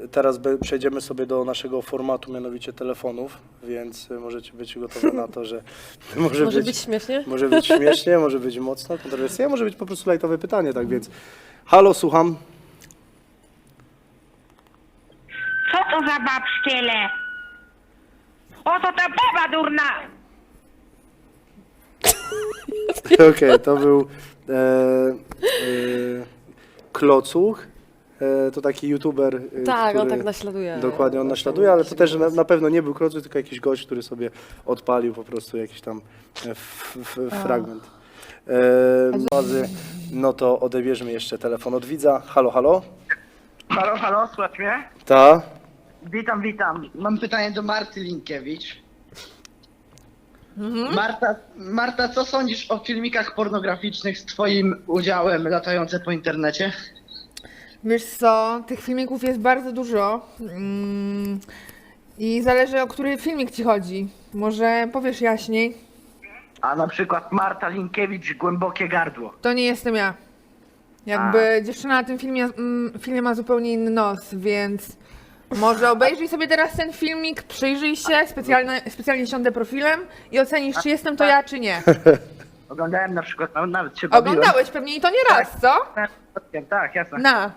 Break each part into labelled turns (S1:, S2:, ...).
S1: teraz przejdziemy sobie do naszego formatu, mianowicie telefonów, więc możecie być gotowi na to, że
S2: Może być śmiesznie?
S1: Może być śmiesznie, może być mocno kontrowersyjnie, może być po prostu lajtowe pytanie, tak więc. Halo, słucham.
S3: Co to za babszkiele? Oto ta baba durna!
S1: Okej, to był Klocuch. To taki youtuber,
S2: Tak,
S1: który,
S2: on tak naśladuje.
S1: Dokładnie, on naśladuje, ale to też na pewno nie był Klocuch, tylko jakiś gość, który sobie odpalił po prostu jakiś tam fragment. No to odebierzmy jeszcze telefon od widza. Halo, halo?
S4: Halo, halo, słychać mnie?
S1: Ta?
S4: Witam, witam. Mam pytanie do Marty Linkiewicz. Marta, co sądzisz o filmikach pornograficznych z twoim udziałem latające po internecie?
S5: Wiesz co, tych filmików jest bardzo dużo i zależy, o który filmik ci chodzi. Może powiesz jaśniej?
S4: A na przykład Marta Linkiewicz, głębokie gardło.
S5: To nie jestem ja. Jakby dziewczyna na tym filmie ma zupełnie inny nos, więc może obejrzyj sobie teraz ten filmik, przyjrzyj się, specjalnie siądę profilem i ocenisz, czy jestem to ja, czy nie.
S4: Oglądałem na przykład, nawet się bawiłem.
S5: Oglądałeś pewnie i to nie raz, co?
S4: Tak, jasne.
S5: Na.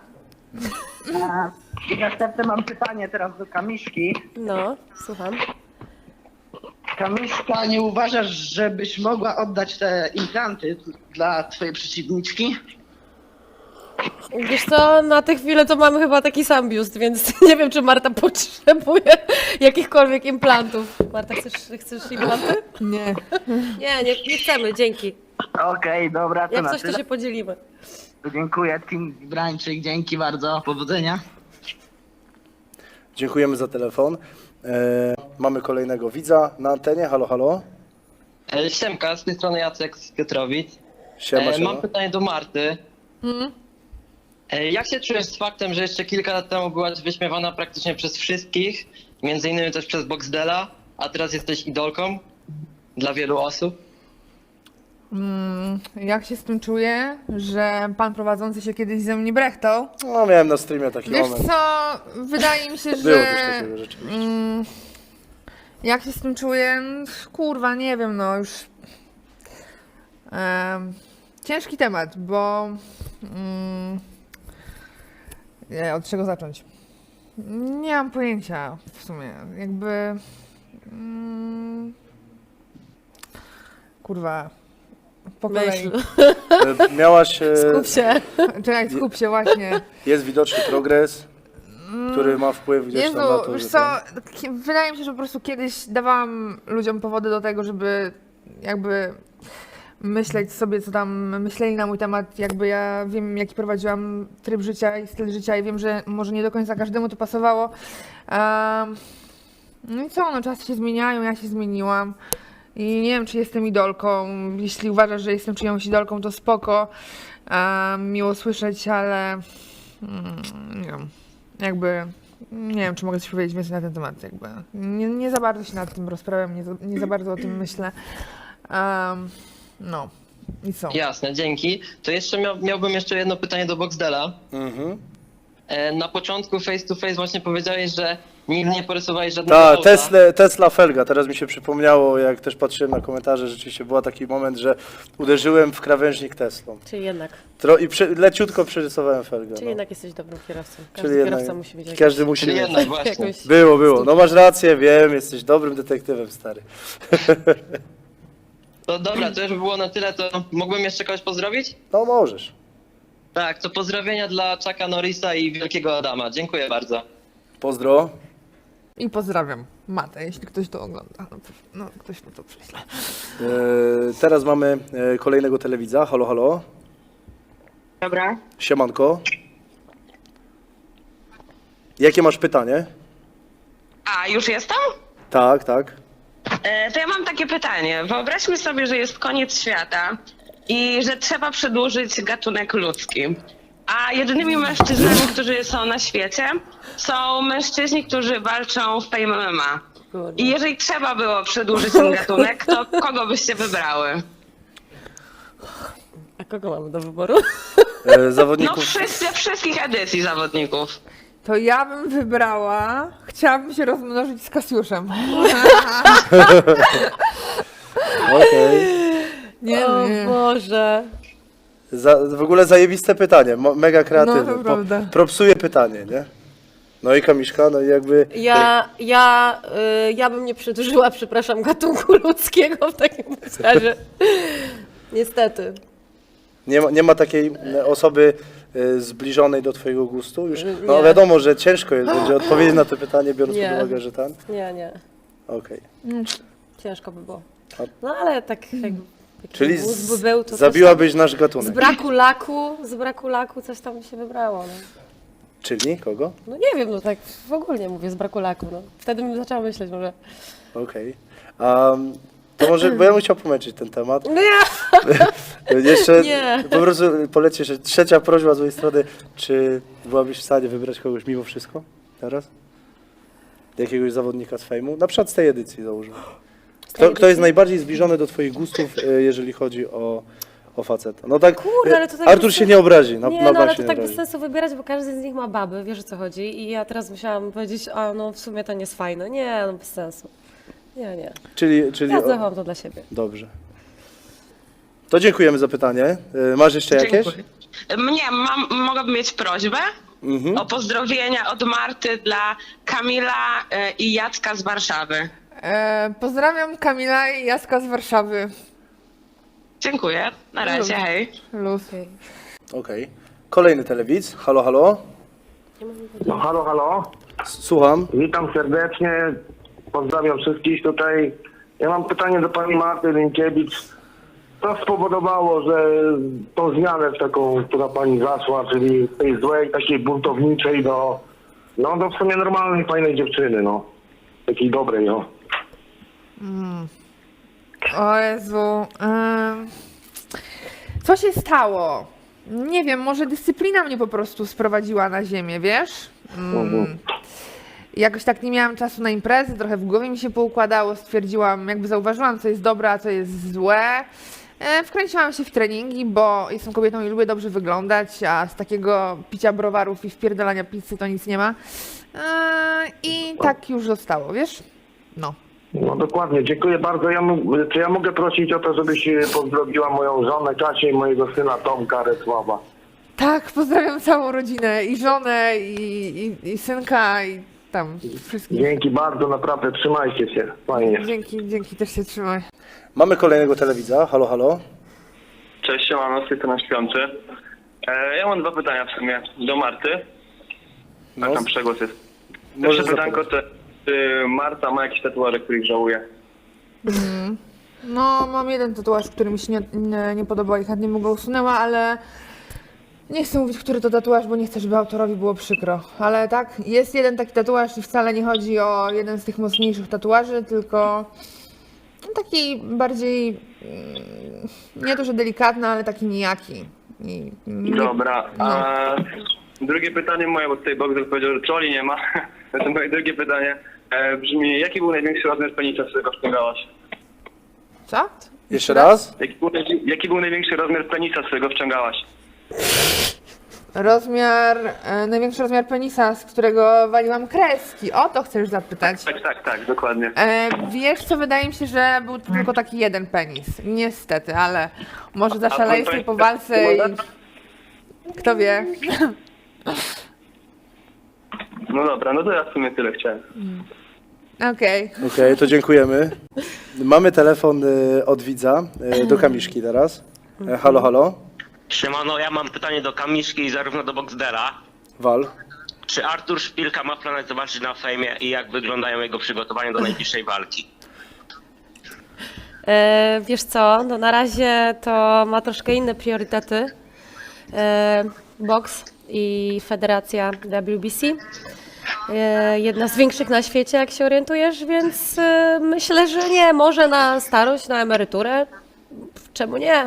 S4: I następne mam pytanie teraz do Kamiszki.
S2: No, słucham.
S4: Kamiszka, nie uważasz, żebyś mogła oddać te implanty dla twojej przeciwniczki?
S2: Wiesz co, na tę chwilę to mamy chyba taki sam biust, więc nie wiem, czy Marta potrzebuje jakichkolwiek implantów. Marta, chcesz implanty?
S5: Nie.
S2: Nie chcemy, dzięki.
S4: Okej, dobra, to
S2: Jak
S4: na
S2: coś, to
S4: tyle.
S2: się podzielimy.
S4: Dziękuję, Team Brańczyk, dzięki bardzo, powodzenia.
S1: Dziękujemy za telefon. Mamy kolejnego widza na antenie. Halo, halo?
S6: Siemka, z tej strony Jacek z Piotrowic.
S1: Siema, siema.
S6: Mam pytanie do Marty. Jak się czujesz z faktem, że jeszcze kilka lat temu byłaś wyśmiewana praktycznie przez wszystkich, między innymi też przez Boxdela, a teraz jesteś idolką dla wielu osób?
S5: Jak się z tym czuję, że pan prowadzący się kiedyś ze mnie brechtał?
S1: No, miałem na streamie taki
S5: Wiesz
S1: moment.
S5: co, wydaje mi się,
S1: Było
S5: że
S1: coś takiego rzeczywiście.
S5: jak się z tym czuję, kurwa, nie wiem, no już ciężki temat, bo nie, od czego zacząć? Nie mam pojęcia w sumie, jakby kurwa, po kolei.
S2: Myśl.
S1: Miałaś...
S2: Skup się.
S5: Czekaj, skup się właśnie.
S1: Jest widoczny progres, który ma wpływ gdzieś tam na
S5: Jezu,
S1: to,
S5: wiesz
S1: że
S5: co, wydaje mi się, że po prostu kiedyś dawałam ludziom powody do tego, żeby jakby myśleć sobie, co tam myśleli na mój temat, jakby ja wiem, jaki prowadziłam tryb życia i styl życia i wiem, że może nie do końca każdemu to pasowało. No i co, no czasy się zmieniają, ja się zmieniłam i nie wiem, czy jestem idolką. Jeśli uważasz, że jestem czyjąś idolką, to spoko, miło słyszeć, ale nie wiem, jakby nie wiem, czy mogę coś powiedzieć więcej na ten temat, jakby nie za bardzo się nad tym rozprawiam, nie za bardzo o tym myślę. No i co?
S6: Jasne, dzięki. To jeszcze miałbym jeszcze jedno pytanie do Boxdela. Na początku face to face właśnie powiedziałeś, że nigdy nie porysowałeś żadnego
S1: Ta,
S6: auta.
S1: Tesla Felga, teraz mi się przypomniało, jak też patrzyłem na komentarze, rzeczywiście był taki moment, że uderzyłem w krawężnik Teslą.
S2: Czyli jednak.
S1: Leciutko przerysowałem Felgę.
S2: Czyli
S1: No.
S2: jednak jesteś dobrym kierowcą. Każdy
S1: Czyli jednak,
S2: kierowca musi mieć
S1: każdy musi
S6: Czyli
S1: mieć.
S6: jednak właśnie.
S2: jakąś...
S1: Było. No masz rację, wiem, jesteś dobrym detektywem, stary.
S6: To dobra, to już by było na tyle, to mógłbym jeszcze kogoś pozdrowić?
S1: No możesz.
S6: Tak, to pozdrowienia dla Chucka Norrisa i Wielkiego Adama. Dziękuję bardzo.
S1: Pozdro.
S5: I pozdrawiam Matę, jeśli ktoś to ogląda. No ktoś mu to prześle.
S1: Teraz mamy kolejnego telewidza. Halo, halo.
S3: Dobra.
S1: Siemanko. Jakie masz pytanie?
S3: A, już jestem?
S1: Tak, tak.
S3: To ja mam takie pytanie. Wyobraźmy sobie, że jest koniec świata i że trzeba przedłużyć gatunek ludzki. A jedynymi mężczyznami, którzy są na świecie, są mężczyźni, którzy walczą w Fame MMA. I jeżeli trzeba było przedłużyć ten gatunek, to kogo byście wybrały?
S2: A kogo mamy do wyboru?
S3: No
S1: Zawodników.
S3: wszystkich edycji zawodników.
S5: to ja bym wybrała, chciałabym się rozmnożyć z Kasiuszem.
S1: Okej.
S5: Nie,
S2: O
S5: nie.
S2: Boże.
S1: W ogóle zajebiste pytanie, mega kreatywne.
S5: No, to prawda.
S1: Propsuje pytanie, nie? No i Kamiszka, no i jakby...
S2: Ja bym nie przedłużyła, przepraszam, gatunku ludzkiego w takim razie. Niestety.
S1: Nie ma takiej osoby zbliżonej do twojego gustu? Już, no
S2: Nie.
S1: wiadomo, że ciężko jest będzie odpowiedzieć na to pytanie, biorąc
S2: Nie.
S1: pod uwagę, że ten.
S2: Nie.
S1: Okej.
S2: Ciężko by było.
S1: A-
S2: No ale tak jakby... taki
S1: Czyli
S2: mózg by był, to coś
S1: zabiłabyś nasz
S2: tam,
S1: gatunek.
S2: z braku laku coś tam by się wybrało. No.
S1: Czyli kogo?
S2: No nie wiem, no tak w ogóle mówię, z braku laku. No. Wtedy bym zaczęła myśleć może.
S1: Okej. To może, bo ja bym chciał pomęczyć ten temat.
S2: Nie!
S1: Jeszcze
S2: Nie.
S1: po prostu poleci jeszcze trzecia prośba z mojej strony. Czy byłabyś w stanie wybrać kogoś mimo wszystko teraz? Jakiegoś zawodnika z fejmu? Na przykład z tej edycji załóżmy. Kto jest najbardziej zbliżony do twoich gustów, jeżeli chodzi o faceta? No tak,
S2: Kurde, ale to tak
S1: Artur
S2: bez
S1: się nie obrazi, na
S2: Nie,
S1: bank
S2: no ale
S1: się
S2: to
S1: nie
S2: tak bez
S1: obrazi.
S2: sensu wybierać, bo każdy z nich ma baby, wiesz o co chodzi. I ja teraz musiałam powiedzieć, a no w sumie to nie jest fajne. Nie, no bez sensu. Nie.
S1: Czyli
S2: Ja zachowam to dla siebie.
S1: Dobrze. To dziękujemy za pytanie. Masz jeszcze jakieś?
S3: Dziękuję. Mogłabym mieć prośbę o pozdrowienia od Marty dla Kamila i Jacka z Warszawy.
S5: Pozdrawiam Kamila i Jacka z Warszawy.
S3: Dziękuję. Na razie, hej.
S5: Luz.
S1: Okej. Kolejny telewidz. Halo, halo.
S7: No, halo, halo.
S1: Słucham.
S7: Witam serdecznie. Pozdrawiam wszystkich tutaj. Ja mam pytanie do pani Marty Rynkiewicz. Co spowodowało, że tą zmianę w taką, która pani zaszła, czyli z tej złej, takiej buntowniczej do w sumie normalnej, fajnej dziewczyny, no. Takiej dobrej, no.
S5: O Jezu. Co się stało? Nie wiem, może dyscyplina mnie po prostu sprowadziła na ziemię, wiesz? Jakoś tak nie miałam czasu na imprezy, trochę w głowie mi się poukładało, stwierdziłam, jakby zauważyłam, co jest dobre, a co jest złe. Wkręciłam się w treningi, bo jestem kobietą i lubię dobrze wyglądać, a z takiego picia browarów i wpierdalania pizzy to nic nie ma. I tak już zostało, wiesz? No.
S7: No dokładnie, dziękuję bardzo. Czy ja mogę prosić o to, żebyś pozdrowiła moją żonę Kasię i mojego syna Tomka Resława?
S5: Tak, pozdrawiam całą rodzinę, i żonę, i synka, i tam wszystkich.
S7: Dzięki bardzo, naprawdę, trzymajcie się. Fajnie.
S5: Dzięki, też się trzymaj.
S1: Mamy kolejnego telewidza. Halo, halo.
S8: Cześć, siemano, z tej strony Śpiący. Ja mam dwa pytania w sumie do Marty.
S1: No,
S8: Tam przegłos jest.
S1: możesz
S8: Pierwsze pytanko
S1: zapowiedzieć.
S8: to, czy Marta ma jakieś tatuaże, których żałuje?
S5: No, mam jeden tatuaż, który mi się nie podobał i chętnie mu go usunęła, ale nie chcę mówić, który to tatuaż, bo nie chcę, żeby autorowi było przykro. Ale tak, jest jeden taki tatuaż i wcale nie chodzi o jeden z tych mocniejszych tatuaży, tylko taki bardziej, nie to, że delikatny, ale taki nijaki.
S8: Dobra, a drugie pytanie moje, bo tutaj Bogdan powiedział, że czoli nie ma. To moje drugie pytanie brzmi, jaki był największy rozmiar penisa, z którego wciągałaś?
S5: Co?
S1: Jeszcze raz?
S8: Jaki był największy rozmiar penisa, z którego wciągałaś?
S5: Największy rozmiar penisa, z którego waliłam kreski. O to chcesz zapytać.
S8: Tak, dokładnie.
S5: Wiesz co, wydaje mi się, że był to tylko taki jeden penis. Niestety, ale może zaszaleję sobie po walce i... Kto wie?
S8: No dobra, no to ja w sumie tyle chciałem.
S5: Okej.
S1: Okej, to dziękujemy. Mamy telefon od widza do Kamiszki teraz. Halo, halo.
S9: Siemano, ja mam pytanie do Kamiszki i zarówno do Boxdela.
S1: Wal.
S9: Czy Artur Szpilka ma planet zobaczyć na fejmie i jak wyglądają jego przygotowania do najbliższej walki?
S2: Wiesz co, no na razie to ma troszkę inne priorytety. Boks i federacja WBC. Jedna z większych na świecie, jak się orientujesz, więc myślę, że nie, może na starość, na emeryturę. Czemu nie?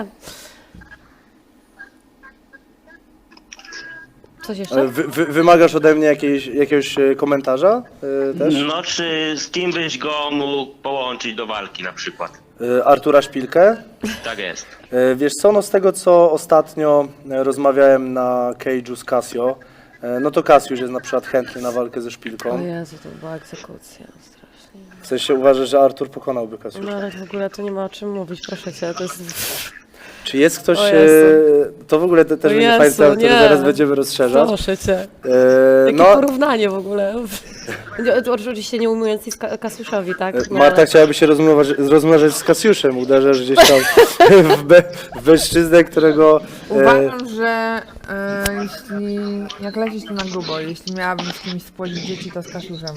S2: Coś jeszcze?
S1: Wymagasz ode mnie jakiegoś komentarza też?
S9: No, czy z kim byś go mógł połączyć do walki na przykład?
S1: Artura Szpilkę?
S9: Tak jest.
S1: Wiesz co, no z tego co ostatnio rozmawiałem na Cage'u z Casio, no to Kasiusz jest na przykład chętny na walkę ze
S2: O
S1: Szpilką.
S2: Jezu, to była egzekucja, strasznie.
S1: W sensie uważasz, że Artur pokonałby Kasiusza.
S2: No ale w ogóle to nie ma o czym mówić, proszę cię, to jest...
S1: Czy jest ktoś,
S2: O Jezu.
S1: to w ogóle też będzie
S2: Jezu,
S1: fajny temat, który
S2: nie.
S1: zaraz będziemy rozszerzać.
S2: Proszę cię. Jakie
S1: No,
S2: porównanie w ogóle. To oczywiście nie ujmując nic Kasiuszowi, tak? No,
S1: Marta
S2: ale-
S1: chciałaby się rozmnażać z Kasiuszem, uderzasz gdzieś tam w mężczyznę, którego...
S5: Uważam, że jak lecieć to na grubo, jeśli miałabym z kimś spłodzić dzieci, to z Kasiuszem.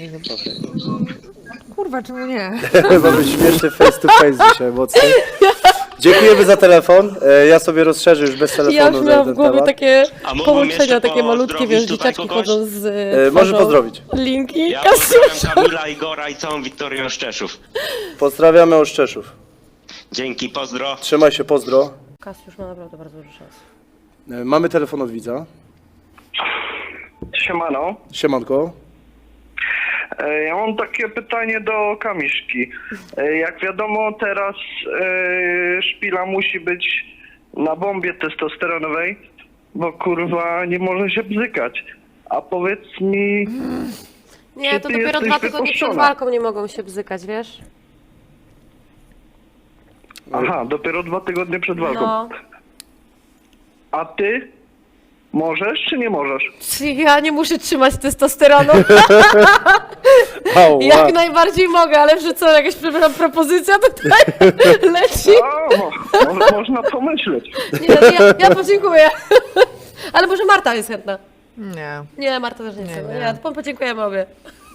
S5: Kurwa, czemu nie?
S1: Mamy śmieszny face to face dzisiaj mocno. Dziękujemy za telefon. Ja sobie rozszerzę już bez telefonu
S2: Ja już miałam w
S1: ten
S2: głowie
S1: temat.
S2: takie
S9: A mógłbym
S2: połączenia,
S9: jeszcze
S2: takie malutkie,
S9: pozdrowić
S2: wiesz,
S9: tutaj
S2: dzieciaczki
S9: kogoś?
S2: chodzą z...
S1: Może
S2: tworzą
S1: pozdrowić.
S2: Linki
S9: Ja
S2: Kasiusza.
S9: pozdrawiam Kamila, Igora i całą Wiktorię Oszczeszów.
S1: Pozdrawiamy Oszczeszów.
S9: Dzięki, pozdro.
S1: Trzymaj się, pozdro.
S2: Kasiusz ma naprawdę bardzo dużo szans.
S1: Mamy telefon od widza.
S7: Siemano.
S1: Siemanko.
S7: Ja mam takie pytanie do Kamiszki. Jak wiadomo, teraz Szpila musi być na bombie testosteronowej, bo kurwa nie może się bzykać. A powiedz mi,
S2: Nie,
S7: Czy
S2: to
S7: ty
S2: dopiero
S7: jesteś
S2: 2 tygodnie przed
S7: wypuszczona?
S2: walką nie mogą się bzykać, wiesz?
S7: aha, dopiero 2 tygodnie przed walką.
S2: No.
S7: A ty możesz czy nie możesz?
S2: Ja nie muszę trzymać testosteronu.
S1: Ała.
S2: Jak najbardziej mogę, ale że co, jakaś propozycja tutaj leci?
S7: Można pomyśleć.
S2: Nie, ja podziękuję. Ale może Marta jest chętna.
S5: Nie.
S2: Nie, Marta też nie chce.
S5: Nie.
S2: Nie, to podziękujemy obie.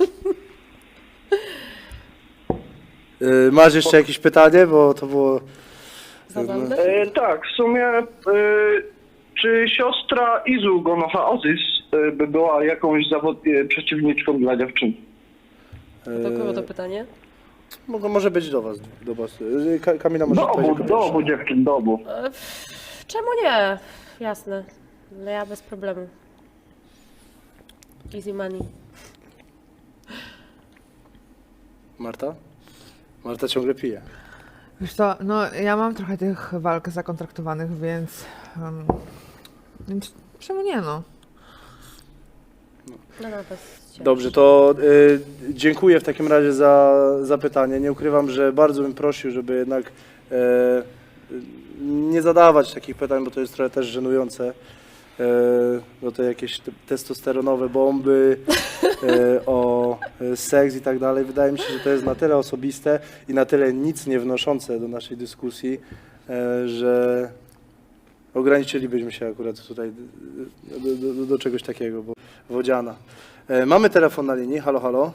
S1: Masz jeszcze jakieś pytanie, bo to było...
S2: Zabawne.
S7: Tak, w sumie czy siostra Izu Gonocha Ozys by była jakąś przeciwniczką dla dziewczyn?
S2: Do kogo to pytanie?
S1: Może być do was. Kamila może odpowiedzieć.
S7: Do obu dziewczyn, do obu.
S2: Czemu nie? Jasne. Ale ja bez problemu. Easy money.
S1: Marta? Marta ciągle pije.
S5: Wiesz co, no ja mam trochę tych walk zakontraktowanych, więc czemu nie, no?
S2: No, bez ciebie.
S1: Dobrze, to dziękuję w takim razie za pytanie. Nie ukrywam, że bardzo bym prosił, żeby jednak nie zadawać takich pytań, bo to jest trochę też żenujące. No to jakieś testosteronowe bomby, o seks i tak dalej. Wydaje mi się, że to jest na tyle osobiste i na tyle nic nie wnoszące do naszej dyskusji, że ograniczylibyśmy się akurat tutaj do czegoś takiego, bo wodziana. Mamy telefon na linii. Halo, halo.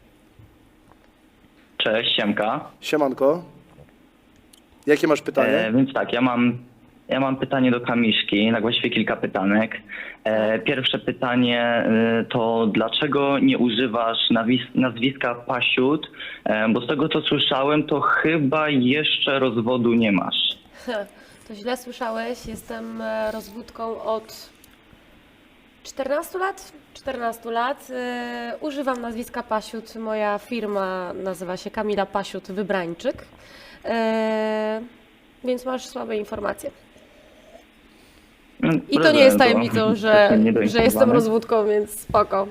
S10: Cześć, siemka.
S1: Siemanko. Jakie masz pytanie?
S10: Więc tak, ja mam pytanie do Kamiszki, na właściwie kilka pytanek. Pierwsze pytanie to dlaczego nie używasz nazwiska Pasiut? Bo z tego co słyszałem, to chyba jeszcze rozwodu nie masz.
S2: To źle słyszałeś. Jestem rozwódką od 14 lat. 14 lat. Używam nazwiska Pasiut. Moja firma nazywa się Kamila Pasiut Wybrańczyk. Więc masz słabe informacje. I to nie jest tajemnicą, że jestem rozwódką, więc spoko.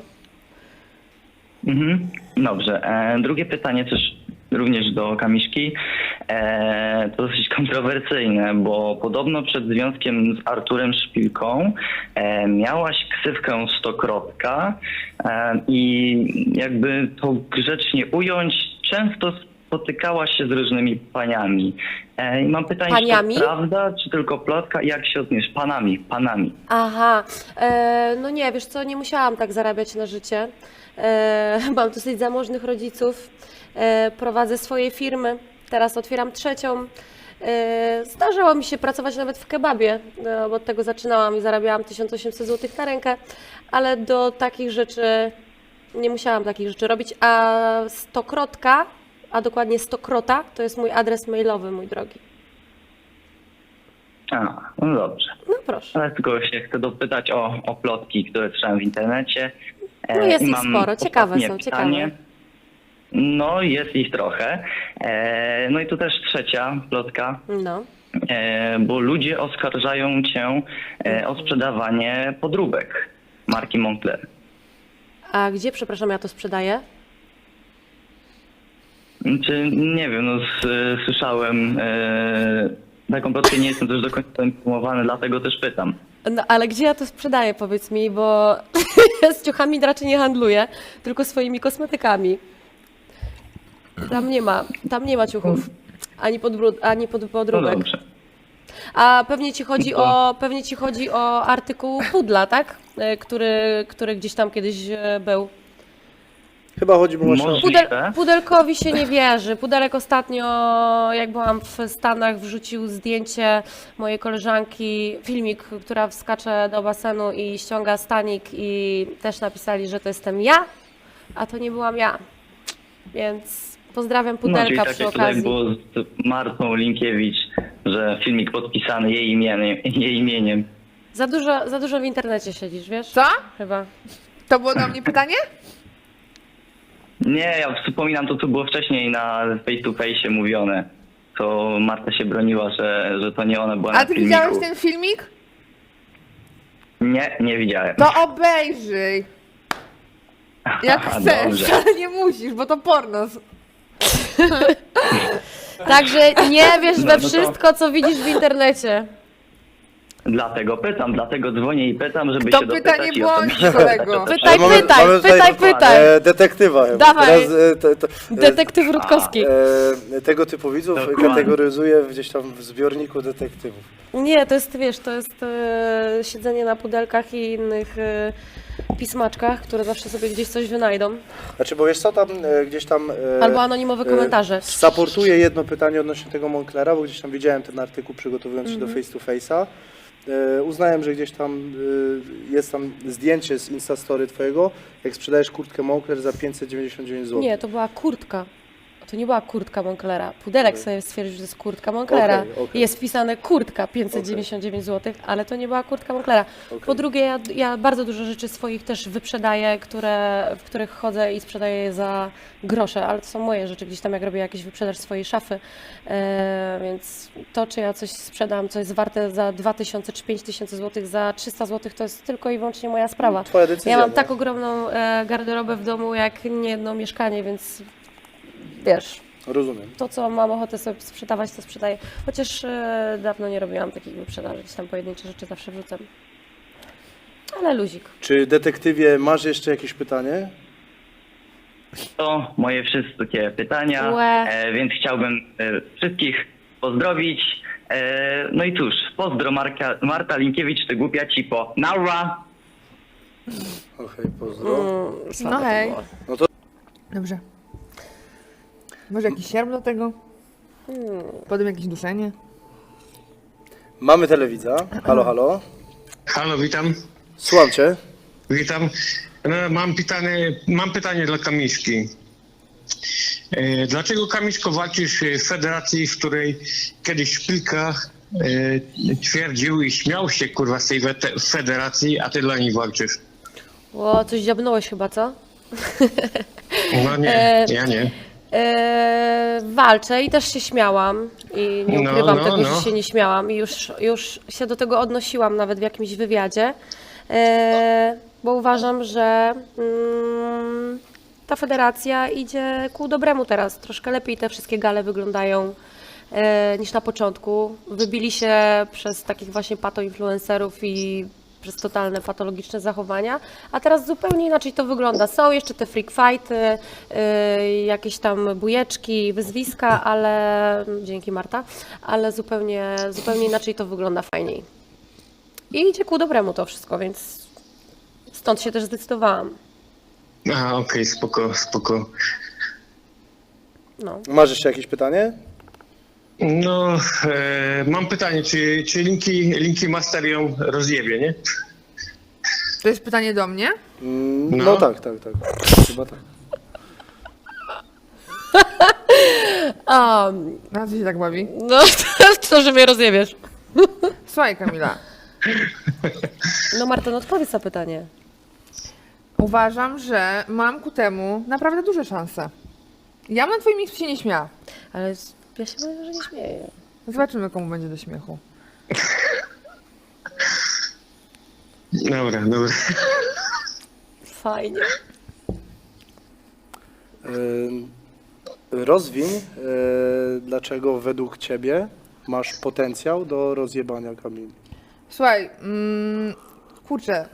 S10: Mhm, dobrze. Drugie pytanie też również do Kamiszki. To dosyć kontrowersyjne, bo podobno przed związkiem z Arturem Szpilką miałaś ksywkę Stokrotka i jakby to grzecznie ująć, często spotykałaś się z różnymi paniami. I mam pytanie,
S2: Paniami?
S10: czy to prawda, czy tylko plotka? Jak się odniesz? Panami.
S2: Aha, no nie, wiesz co, nie musiałam tak zarabiać na życie. Mam dosyć zamożnych rodziców, prowadzę swoje firmy, teraz otwieram trzecią. Zdarzało mi się pracować nawet w kebabie, bo od tego zaczynałam i zarabiałam 1800 zł na rękę, ale do takich rzeczy nie musiałam takich rzeczy robić, a Stokrotka, a dokładnie Stokrota, to jest mój adres mailowy, mój drogi.
S10: No dobrze.
S2: No proszę.
S10: Ale tylko się chcę dopytać o plotki, które słyszałem w internecie.
S2: No jest
S10: I
S2: ich
S10: mam
S2: sporo, ciekawe
S10: ostatnie
S2: są,
S10: pytanie.
S2: ciekawe.
S10: No jest ich trochę. No i tu też trzecia plotka,
S2: No.
S10: bo ludzie oskarżają cię o sprzedawanie podróbek. marki Moncler.
S2: A gdzie, przepraszam, ja to sprzedaję?
S10: Czy nie wiem, no słyszałem, tak kompletnie nie jestem też do końca poinformowany, dlatego też pytam.
S2: No ale gdzie ja to sprzedaję, powiedz mi, bo z ciuchami raczej nie handluję, tylko swoimi kosmetykami. Tam nie ma ciuchów, ani
S10: No
S2: podróbek.
S10: dobrze.
S2: A pewnie ci chodzi o artykuł pudla, tak? Który gdzieś tam kiedyś był.
S1: Chyba chodzi mu o szans.
S10: Możliwe.
S2: Pudelkowi się nie wierzy. Pudelek ostatnio, jak byłam w Stanach, wrzucił zdjęcie mojej koleżanki, filmik, która wskacze do basenu i ściąga stanik i też napisali, że to jestem ja, a to nie byłam ja. Więc pozdrawiam
S10: No, czyli
S2: Pudelka
S10: tak
S2: przy
S10: jak tutaj
S2: okazji.
S10: było z Martą Linkiewicz, że filmik podpisany jej imieniem.
S2: Za dużo w internecie siedzisz, wiesz?
S5: Co?
S2: Chyba.
S5: To było do mnie pytanie?
S10: Nie, ja wspominam to, co było wcześniej na face to face mówione. To Marta się broniła, że to nie ona była
S5: A
S10: na
S5: ty
S10: filmiku.
S5: widziałeś ten filmik?
S10: Nie widziałem.
S5: To obejrzyj. Jak
S10: Aha,
S5: chcesz,
S10: dobrze.
S5: ale nie musisz, bo to porno.
S2: Także nie wiesz
S10: No,
S2: we
S10: no to-
S2: wszystko, co widzisz w internecie.
S10: Dlatego pytam, dlatego dzwonię i pytam, żeby
S5: To
S10: się
S5: pytanie
S10: dopytać i
S5: błądź,
S10: osobiście
S5: kolego.
S10: zapytać.
S2: Pytaj,
S1: mamy tutaj
S2: pytaj.
S1: Detektywa chyba.
S2: Dawaj.
S1: Teraz,
S2: Detektyw Rutkowski.
S1: tego typu widzów
S10: Dokładnie.
S1: kategoryzuję gdzieś tam w zbiorniku detektywów.
S2: Nie, to jest, wiesz, to jest siedzenie na pudelkach i innych pismaczkach, które zawsze sobie gdzieś coś wynajdą.
S1: Znaczy, bo wiesz co, tam gdzieś tam...
S2: Albo anonimowe komentarze.
S1: Saportuję jedno pytanie odnośnie tego Monclera, bo gdzieś tam widziałem ten artykuł, przygotowując się do face to face'a. Uznałem, że gdzieś tam jest tam zdjęcie z Instastory twojego, jak sprzedajesz kurtkę Moncler za 599 zł.
S2: Nie, to była kurtka. To nie była kurtka Monclera. Pudelek sobie stwierdził, że to jest kurtka Monklera.
S1: Okej.
S2: Jest wpisane kurtka 599 zł, ale to nie była kurtka Monklera. Po drugie, ja bardzo dużo rzeczy swoich też wyprzedaję, w których chodzę i sprzedaję je za grosze, ale to są moje rzeczy, gdzieś tam jak robię jakiś wyprzedaż swojej szafy. Więc to, czy ja coś sprzedam, co jest warte za 2000 czy 5000 zł, za 300 zł, to jest tylko i wyłącznie moja sprawa.
S1: Twoja decyzja.
S2: Ja mam
S1: no.
S2: tak ogromną garderobę w domu, jak nie jedno mieszkanie, więc wiesz,
S1: Rozumiem.
S2: to co mam ochotę sobie sprzedawać, to sprzedaję. Chociaż dawno nie robiłam takich wyprzedaży, gdzieś tam pojedyncze rzeczy zawsze wrzucam. Ale luzik.
S1: Czy detektywie masz jeszcze jakieś pytanie?
S10: To moje wszystkie pytania,
S2: Łe.
S10: więc chciałbym wszystkich pozdrowić. No i cóż, pozdro Marta Linkiewicz, ty głupia cipo. Naura!
S1: Okej, pozdro.
S2: Słabe to
S5: hej.
S2: było.
S5: Dobrze. Może jakiś sierp do tego? Potem jakieś duszenie?
S1: Mamy telewidza. Halo, halo.
S11: Halo, witam.
S1: Słucham cię.
S11: Witam. No, mam pytanie dla Kamiszki. Dlaczego, Kamiszko, walczysz w federacji, w której kiedyś Szpilka twierdził i śmiał się, kurwa, z tej federacji, a ty dla niej walczysz?
S2: O, coś dziabnąłeś chyba, co?
S11: No nie, ja nie.
S2: Walczę i też się śmiałam i nie
S11: No,
S2: ukrywam
S11: no,
S2: tego,
S11: no.
S2: że się nie śmiałam i już się do tego odnosiłam nawet w jakimś wywiadzie, bo uważam, że ta federacja idzie ku dobremu teraz. Troszkę lepiej te wszystkie gale wyglądają niż na początku. Wybili się przez takich właśnie patoinfluencerów i przez totalne patologiczne zachowania, a teraz zupełnie inaczej to wygląda. Są jeszcze te freak fighty, jakieś tam bujeczki, wyzwiska, ale dzięki Marta, ale zupełnie inaczej to wygląda, fajniej. I idzie ku dobremu to wszystko, więc stąd się też zdecydowałam.
S11: Aha, okej, spoko.
S2: No.
S1: Masz jeszcze jakieś pytanie?
S11: No, mam pytanie, czy Linki Master ją rozjebie, nie?
S5: To jest pytanie do mnie?
S1: No,
S11: No.
S1: tak. Chyba tak.
S5: Na co się tak bawi?
S2: No, to, że mnie rozjebiesz.
S5: Słuchaj, Kamila.
S2: No Marta, no odpowiedz na pytanie.
S5: Uważam, że mam ku temu naprawdę duże szanse. Ja bym na twoim miejscu się nie śmiała.
S2: Ale ja się mówię, że nie śmieję.
S5: Zobaczymy, komu będzie do śmiechu.
S11: Dobra.
S2: Fajnie.
S1: Rozwiń, dlaczego według ciebie masz potencjał do rozjebania Kamili.
S5: Słuchaj, kurczę,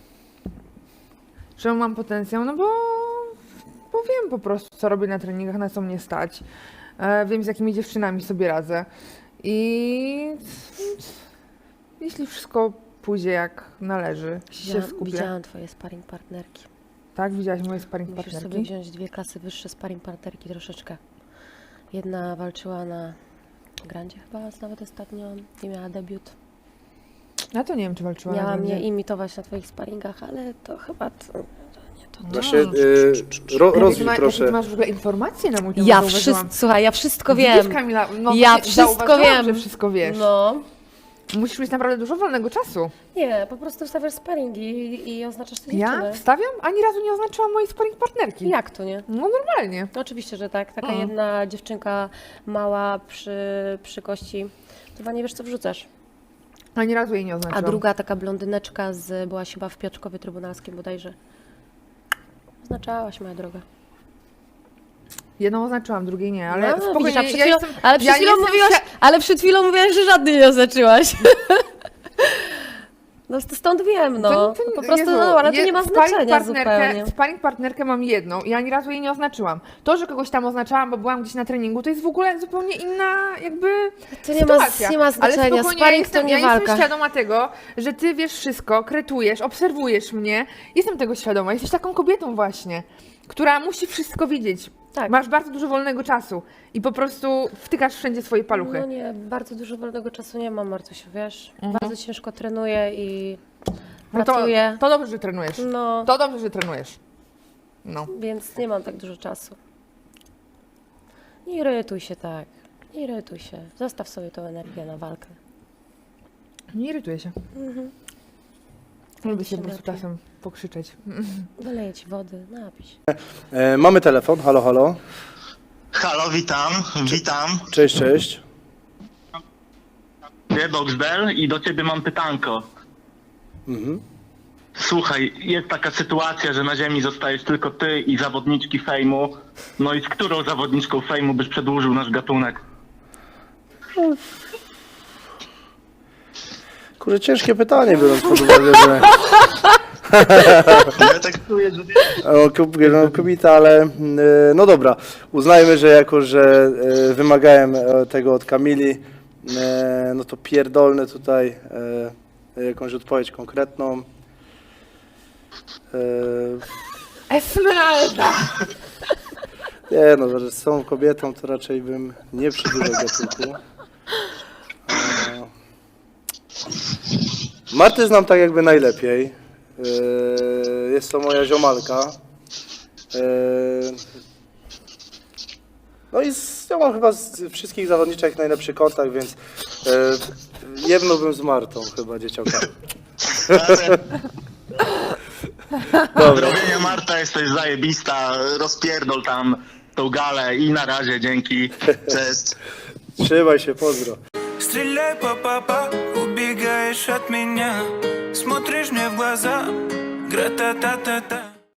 S5: czemu mam potencjał? No bo wiem po prostu, co robię na treningach, na co mnie stać. Wiem, z jakimi dziewczynami sobie radzę. I jeśli wszystko pójdzie jak należy, jeśli się skupię.
S2: Widziałam twoje sparring partnerki.
S5: Tak, widziałaś moje sparring
S2: Musisz
S5: partnerki?
S2: sobie wziąć 2 klasy wyższe sparring partnerki troszeczkę. Jedna walczyła na Grandzie chyba nawet ostatnio i miała debiut.
S5: Ja to nie wiem, czy walczyła na
S2: Miała
S5: Grandzie.
S2: mnie imitować na twoich sparingach, ale to chyba nie to.
S1: Właśnie
S5: Jakie
S1: rozwij
S5: ty
S1: proszę.
S5: masz w ogóle informacje na mój temat?
S2: Ja
S5: zauważyłam.
S2: wszystko, słuchaj, ja wszystko
S5: Widzisz,
S2: wiem.
S5: Kamila, no
S2: Ja
S5: właśnie
S2: wszystko
S5: zauważyłam,
S2: wiem.
S5: że wszystko wiesz.
S2: No.
S5: Musisz mieć naprawdę dużo wolnego czasu.
S2: Nie, po prostu wstawiasz sparingi i oznaczasz te dziewczyny.
S5: Ja wstawiam? Ani razu nie oznaczyłam mojej sparring partnerki.
S2: Jak to nie?
S5: No normalnie.
S2: No oczywiście, że tak. Taka jedna dziewczynka mała przy kości. Chyba nie wiesz, co wrzucasz.
S5: Ani razu jej nie
S2: A
S5: oznaczyłam.
S2: druga taka blondyneczka była chyba w Piotrkowie Trybunalskim bodajże. Oznaczałaś, moja droga.
S5: Jedną oznaczyłam, drugiej nie, ale
S2: No,
S5: spokojnie,
S2: widzisz, a przed
S5: ja
S2: chwilą,
S5: jestem,
S2: ale przed
S5: ja
S2: chwilą
S5: jestem
S2: mówiłaś, ale przed chwilą mówiłaś, że żadnej nie oznaczyłaś. No stąd wiem, no. Po prostu,
S5: Jezu,
S2: no, ale to nie ma znaczenia zupełnie.
S5: Sparring partnerkę mam jedną i ani razu jej nie oznaczyłam. To, że kogoś tam oznaczałam, bo byłam gdzieś na treningu, to jest w ogóle zupełnie inna jakby
S2: To nie ma,
S5: sytuacja.
S2: nie ma znaczenia.
S5: Ale spokojnie,
S2: Sparring to nie
S5: ja
S2: walka.
S5: jestem świadoma tego, że ty wiesz wszystko, kretujesz, obserwujesz mnie. Jestem tego świadoma. Jesteś taką kobietą właśnie, która musi wszystko wiedzieć.
S2: Tak.
S5: Masz bardzo dużo wolnego czasu i po prostu wtykasz wszędzie swoje paluchy.
S2: No nie, bardzo dużo wolnego czasu nie mam, Martusiu, wiesz. Bardzo ciężko trenuję i
S5: No
S2: pracuję.
S5: to dobrze, że trenujesz.
S2: No,
S5: To dobrze, że trenujesz. No.
S2: więc nie mam tak dużo czasu. Nie irytuj się tak. Nie irytuj się. Zostaw sobie tą energię na walkę.
S5: Nie irytuję się. Lubię się po prostu
S2: lepiej.
S5: czasem pokrzyczeć.
S2: Wyleję ci wody, napij się.
S1: Mamy telefon, halo, halo.
S12: Halo, witam.
S1: Cześć, cześć.
S12: Boxdel i do ciebie mam pytanko.
S1: Mhm.
S12: Słuchaj, jest taka sytuacja, że na ziemi zostajesz tylko ty i zawodniczki fejmu. No i z którą zawodniczką fejmu byś przedłużył nasz gatunek?
S1: Kurczę, ciężkie pytanie, biorąc pod uwagę, że...
S12: Ja tak czuję, że...
S1: Kobieta, ale no dobra, uznajmy, że jako, że wymagałem tego od Kamili, no to pierdolnę tutaj jakąś odpowiedź konkretną.
S5: Esmeralda!
S1: Nie no, że z tą kobietą to raczej bym nie przedłużał gatunku. Martę znam tak jakby najlepiej. Jest to moja ziomalka. No i ja mam chyba z wszystkich zawodniczek najlepszy kontakt, więc jebnąłbym z Martą chyba, dzieciaka. Dobra.
S12: Robienia Marta, jesteś zajebista, rozpierdol tam tą galę i na razie, dzięki, cześć.
S1: Trzymaj się, pozdro.
S13: Стреляй, папа, убегаешь от меня. Смотришь мне в глаза, гра-та-та-та-та.